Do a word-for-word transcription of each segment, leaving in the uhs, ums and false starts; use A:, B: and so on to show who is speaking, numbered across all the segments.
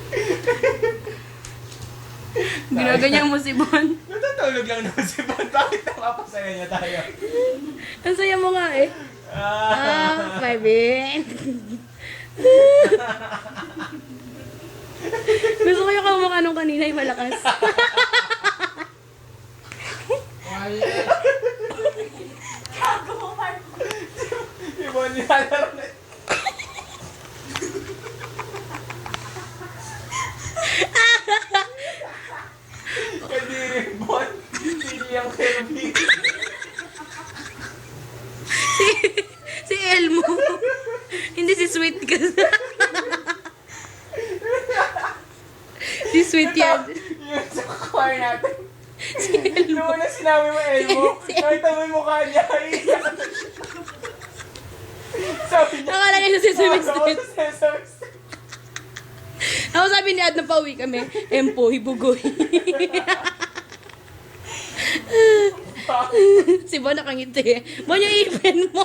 A: Ginaganyan mo si Bon.
B: Natutulog lang naman si Bon. Bakit napapasaya niya tayo?
A: Ang saya mo nga eh. Ah, my Ben. Gusto ko yung kamukha nung kanina yung malakas.
B: Si Bon nilalaro na. Kadiri Bon. Hindi yung Kirby.
A: si, si Elmo. Hindi si Sweet kasi. Si Sweet yan.
B: Yung sa choir natin.
A: Si Elmo.
B: Noon na sinabi mo, Elmo,
A: Si- si-
B: nakita mo yung mukha niya. Iiyak. Sabi niya,
A: Nakala niya si Sweet Street.
B: Sesame Street.
A: Ako sabi ni Ad na pauwi kami. Empoy, bugoy. Si Bon nakangiti. Bon yung ipin mo.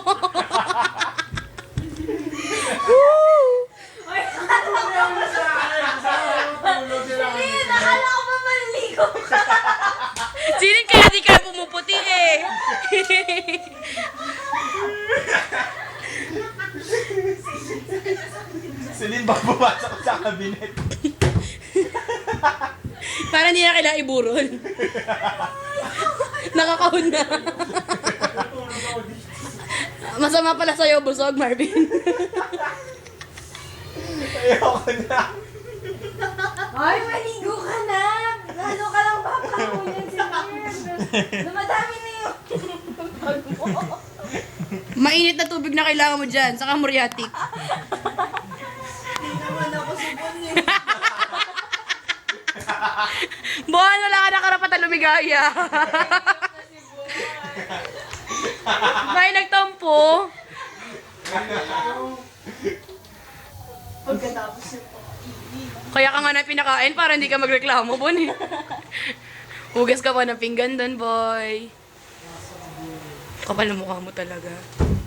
C: Nakala ko ba manligo ka?
A: Sinin kaya di ka pumuputi eh.
B: Celine, baka pumasok sa kabinet.
A: Para hindi na kailangan iburol. Nakakahon na. Masama pala sa'yo, busog, Marvin.
B: Ayoko na.
C: Ay, maligo ka na! Lalo ka lang papakunin si Kim. Lumadami na yun.
A: Mainit na tubig na kailangan mo dyan, saka muriatic.
C: Hindi naman ako subon eh.
A: Bon, wala ka na karapatan lumigaya. May nagtampo.
C: Pagkatapos yun po.
A: Kaya ka nga na pinakain para hindi ka magreklamo, Bon eh. Hugas ka pa ng pinggan doon, boy. Kapal na mukha mo talaga.